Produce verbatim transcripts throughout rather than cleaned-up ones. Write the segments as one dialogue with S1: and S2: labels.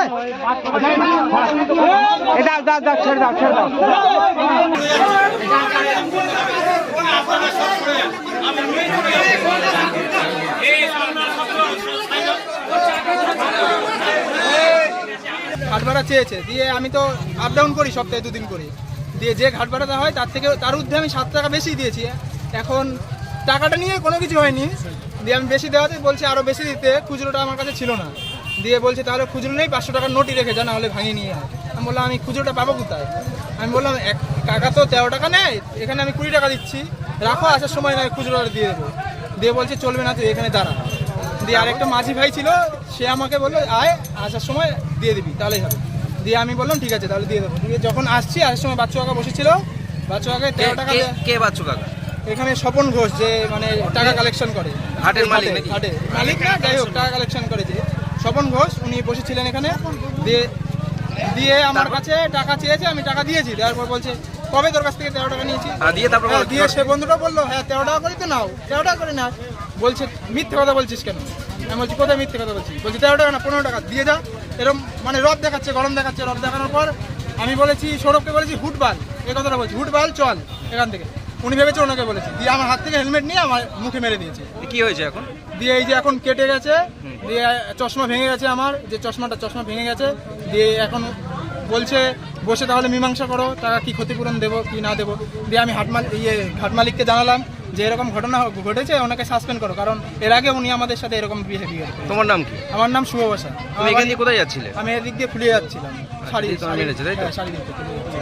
S1: দাও দাও দাও ছেড়ে দাও ছেড়ে দাও।
S2: ঘাট ভাড়া চেয়েছে, দিয়ে আমি তো আপ ডাউন করি সপ্তাহে দুদিন করি, দিয়ে যে ঘাট ভাড়া দেওয়া হয় তার থেকে তার ঊর্ধ্বে আমি সাত টাকা বেশি দিয়েছি। এখন টাকাটা নিয়ে কোনো কিছু হয়নি, দিয়ে আমি বেশি দেওয়াতে বলছে আরও বেশি দিতে, খুচরোটা আমার কাছে ছিল না, দিয়ে বলছে তাহলে খুচরো নেই, পাঁচশো টাকার নোটই রেখে যা, না হলে ভাঙিয়ে নিয়ে আয়। আমি বললাম আমি খুচরোটা পাবো কোথায়? আমি বললাম এক টাকা তো তেরো টাকা নেয়, এখানে আমি কুড়ি টাকা দিচ্ছি, রাখো, আসার সময় না খুচরোটা দিয়ে দেবো। দিয়ে বলছে চলবে না, তুই এখানে দাঁড়া। দিয়ে আরেকটা মাঝি ভাই ছিল, সে আমাকে বললো আয়, আসার সময় দিয়ে দিবি তাহলেই হবে। দিয়ে আমি বললাম ঠিক আছে তাহলে দিয়ে দেবো। দিয়ে যখন আসছি আসার সময় বাচ্চু কাকা বসেছিল, বাচ্চু কাকা তেরো টাকা।
S3: কে বাচ্চু কাকা?
S2: এখানে স্বপন ঘোষ, যে মানে টাকা কালেকশন করে,
S3: হাটের মালিক নাকি?
S2: হাটে মালিক না, যাই হোক টাকা কালেকশন করে যে স্বপন ঘোষ, উনি বসেছিলেন এখানে। দিয়ে দিয়ে আমার কাছে টাকা চেয়েছে, আমি টাকা দিয়েছি। দেওয়ার পর বলছে কবে তোর কাছ থেকে তেরো টাকা নিয়েছি?
S3: দিয়ে তারপর
S2: দিয়ে সে বন্ধুটা বললো হ্যাঁ তেরো টাকা করে তো নাও, তেরো টাকা করে না। বলছে মিথ্যে কথা বলছিস কেন? আমি বলছি কোথায় মিথ্যে কথা বলছি? বলছি তেরো টাকা না পনেরো টাকা দিয়ে যা। এরকম মানে রব দেখাচ্ছে, গরম দেখাচ্ছে। রব দেখানোর পর আমি বলেছি সৌরভকে বলেছি হুটবাল, এই কথাটা বলছি, হুটবাল চল এখান থেকে। উনি ভেবেছে ওনাকে বলেছি, দিয়ে আমার হাত থেকে হেলমেট নিয়ে আমার মুখে মেরে দিয়েছে।
S3: কি হয়েছে এখন?
S2: দিয়ে এই যে এখন কেটে গেছে, দিয়ে চশমা ভেঙে গেছে, আমার যে চশমাটা চশমা ভেঙে গেছে। দিয়ে এখন বলছে বসে তাহলে মীমাংসা করো, টাকা কি ক্ষতিপূরণ দেবো কি না দেবো। দিয়ে আমি হাট মালিক ইয়ে ঘাট মালিককে জানালাম যে এরকম ঘটনা ঘটেছে, ওনাকে সাসপেন্ড করো, কারণ এর আগে উনি আমাদের সাথে এরকম বিহেভিয়ার।
S3: তোমার নাম কি?
S2: আমার নাম শুভ বসা।
S3: তুমি এখান দিয়ে কোথায় যাচ্ছিলে?
S2: আমি এদিক দিয়ে ফুলিয়ে যাচ্ছিলাম, শাড়ি
S3: মেরেছে তাই তো?
S2: শাড়ি দিতে।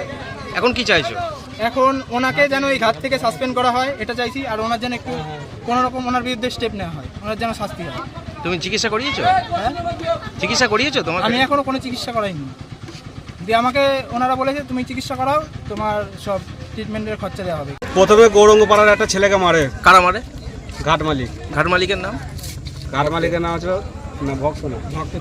S3: এখন কি চাইছো?
S2: এখন ওনাকে যেন এই ঘাট থেকে সাসপেন্ড করা হয় এটা চাইছি, আর ওনার যেন একটু কোনো রকম ওনার বিরুদ্ধে স্টেপ নেওয়া হয়, ওনার যেন শাস্তি হয়।
S3: তুমি চিকিৎসা করিয়েছো?
S2: হ্যাঁ
S3: চিকিৎসা করিয়েছো তোমার?
S2: আমি এখনো কোনো চিকিৎসা করাইনি। দিয়ে আমাকে ওনারা বলেছে তুমি চিকিৎসা করাও, তোমার সব ট্রিটমেন্টের খরচা দেওয়া হবে।
S4: প্রথমে গৌরঙ্গ পাড়ার একটা ছেলেকে মারে।
S3: কারা মারে?
S4: ঘাট মালিক।
S3: ঘাট মালিকের নাম?
S4: ঘাট মালিকের নাম হচ্ছে না ভক্ত না,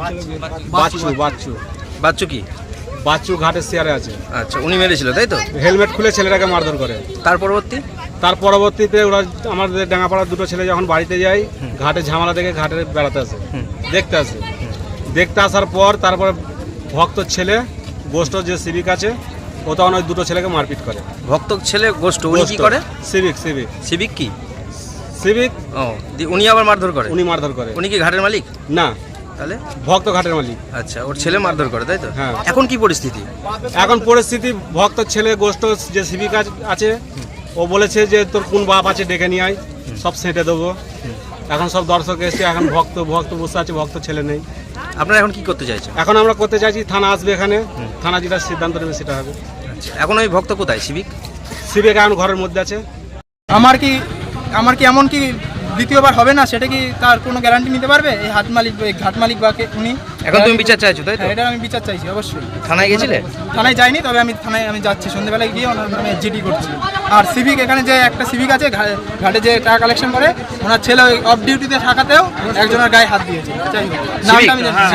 S4: বাচ্চু। বাচ্চু
S3: বাচ্চু কি?
S4: বাচ্চু ঘাটের শেয়ারে আছে।
S3: আচ্ছা, উনি মেরেছিল তাই তো?
S4: হেলমেট খুলে ছেলেটাকে মারধর করে।
S3: তার পরবর্তী
S4: তার পরবর্তীতে ওরা আমাদের ডাঙ্গাপাড়ার দুটো ছেলে যখন বাড়িতে যায়, ঘাটে ঝামেলা দেখে ঘাটে বেড়াতে আসে, দেখতে আসে। দেখতে আসার পর তারপরে ভক্ত ছেলে গোষ্ঠ যে সিভিক আছে, ও তখন ওই দুটো ছেলেকে মারপিট করে।
S3: ভক্ত ছেলে গোষ্ঠ, উনি কি করে?
S4: সিভিক। সিভিক
S3: সিভিক কি?
S4: সিভিক
S3: ও, উনি আবার মারধর করে?
S4: উনি মারধর করে।
S3: উনি কি ঘাটের মালিক?
S4: না,
S3: তাহলে
S4: ভক্ত ঘাটের মালিক।
S3: আচ্ছা, ওর ছেলে মারধর করে তাই তো?
S4: হ্যাঁ।
S3: এখন কি পরিস্থিতি?
S4: এখন পরিস্থিতি ভক্ত ছেলে গোষ্ঠ যে সিভিক আছে, ও বলেছে যে তোর কোন বাপ আছে ডেকে নিয়ে আয়, সব সেঁটে দেবো। এখন সব দর্শক এসে, এখন ভক্ত ভক্ত বসে আছে, ভক্ত ছেলে নেই।
S3: আপনারা এখন কি করতে চাইছেন?
S4: এখন আমরা করতে চাইছি থানা আসবে, এখানে থানা যেটা সিদ্ধান্ত নেবে সেটা হবে।
S3: আচ্ছা, এখন ওই ভক্ত কোথায়? সিভিক
S4: সিভিক এখন ঘরের মধ্যে আছে।
S2: আমার কি আমার কি এমন কি দ্বিতীয়বার হবে না, সেটা কি তার কোনো গ্যারান্টি নিতে পারবে এই হাট মালিক, এই ঘাট মালিক বা উনি?
S3: এখন তুমি বিচার চাইছো তাই তো?
S2: এটা আমি বিচার চাইছি অবশ্যই।
S3: থানায় গেছিলে?
S2: থানায় যাইনি, তবে আমি থানায় আমি যাচ্ছি, সন্ধ্যেবেলায় গিয়ে ওনার নামে জিডি করছি। আর সিভিক, এখানে যে একটা সিভিক আছে ঘাটে যে টাকা কালেকশন করে, ওনার ছেলে ওই অফ ডিউটিতে থাকাতেও একজনের গায়ে হাত দিয়েছে। যাই হোক, নামটা আমি জানি না,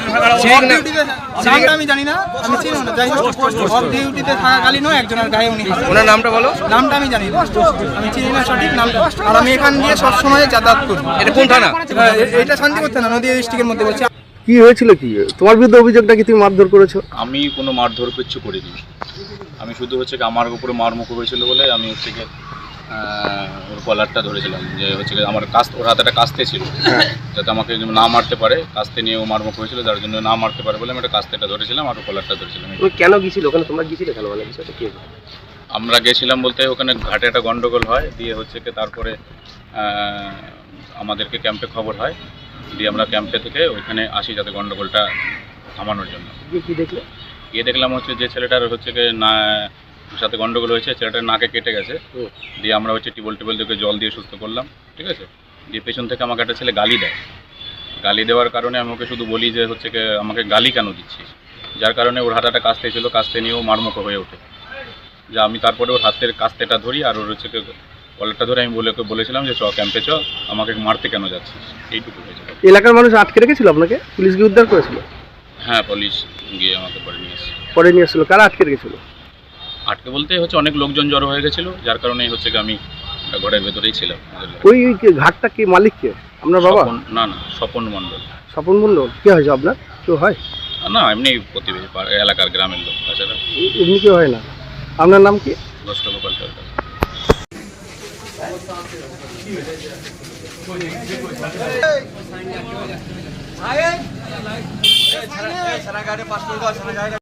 S2: নামটা আমি জানি না, আমি চিনি না। যাই হোক, অফ ডিউটিতে থাকাকালীনও একজনের গায়ে উনি,
S3: ওনার নামটা বলো।
S2: নামটা আমি জানি না, আমি চিনি না সঠিক নামটা। আর আমি এখান দিয়ে সবসময় যাতায়াত করি।
S3: এটা কোন থানা?
S2: এটা শান্তিপুর থানা, নদীয়া ডিস্ট্রিক্টের মধ্যে বলছি।
S5: কি হয়েছিল, কি তোমার বিরুদ্ধে অভিযোগটা কি তুমি মারধর করেছো?
S6: আমি কোনো মারধর কিচ্ছু করিনি। আমি শুধু হচ্ছে কি আমার উপরে মারমুখ হয়েছিল বলে আমি হচ্ছে কি ওর কলারটা ধরেছিলাম, যে হচ্ছে কি আমার কাস্তে, ওর হাতে একটা কাস্তে ছিল, যাতে আমাকে না মারতে পারে, কাস্তে নিয়ে ও মারমুখ হয়েছিল, যার জন্য না মারতে পারে বলে আমি একটা কাস্তেটা ধরেছিলাম আর কলারটা ধরেছিলাম।
S5: কেন গিয়েছিল ওখানে? তোমরা গিয়েছিলে কেন? মানে বিষয়টা কি?
S6: আমরা গেছিলাম বলতে ওখানে ঘাটে একটা গন্ডগোল হয়, দিয়ে হচ্ছে কি তারপরে আমাদেরকে ক্যাম্পে খবর হয়, দিয়ে আমরা ক্যাম্পে থেকে ওইখানে আসি যাতে গন্ডগোলটা থামানোর জন্য।
S5: কি দেখলে?
S6: গিয়ে দেখলাম হচ্ছে যে ছেলেটার হচ্ছে কি না সাথে গন্ডগোল হয়েছে, ছেলেটার নাকে কেটে গেছে। দিয়ে আমরা হচ্ছে টিবল টিবল থেকে জল দিয়ে সুস্থ করলাম, ঠিক আছে। দিয়ে পেছন থেকে আমাকে একটা ছেলে গালি দেয়। গালি দেওয়ার কারণে আমি ওকে শুধু বলি যে হচ্ছে কি আমাকে গালি কেন দিচ্ছিস, যার কারণে ওর হাতে একটা কাস্তে ছিল, কাস্তে নিয়েও মারমুখ হয়ে ওঠে। যে আমি তারপরে ওর হাতের কাস্তেটা ধরি আর ওর হচ্ছে কলারটা ধরে আমি বলে বলেছিলাম যে চ ক্যাম্পে চ, আমাকে মারতে কেন যাচ্ছিস, এইটুকু হয়েছিল।
S5: এলাকার মানুষ আটকে রেখেছিল আপনাকে? পুলিশ গিয়ে উদ্ধার করেছিল?
S6: হ্যাঁ, পুলিশ গিয়ে আমাকে পরে নিয়ে এসেছে।
S5: পরে নিয়ে আসছিল? কারা আটকে রেখেছিল?
S6: আটকে বলতে হচ্ছে অনেক লোকজন জড়ো হয়ে গেছিল, যার কারণে হচ্ছে আমি ঘরের ভেতরেই ছিলাম।
S5: ওই ঘাটটা কি মালিক কে? আপনার বাবা?
S6: না না, স্বপন মণ্ডল।
S5: স্বপন মণ্ডল কি হয়েছে আপনার? কেউ হয়?
S6: আর না এমনি প্রতিবেশী পাড়া- এলাকার গ্রামের লোক তাছাড়া
S5: এ- এমনি কেউ হয় না। আপনার নাম কি?
S6: গোষ্ঠ গোপাল সরকার।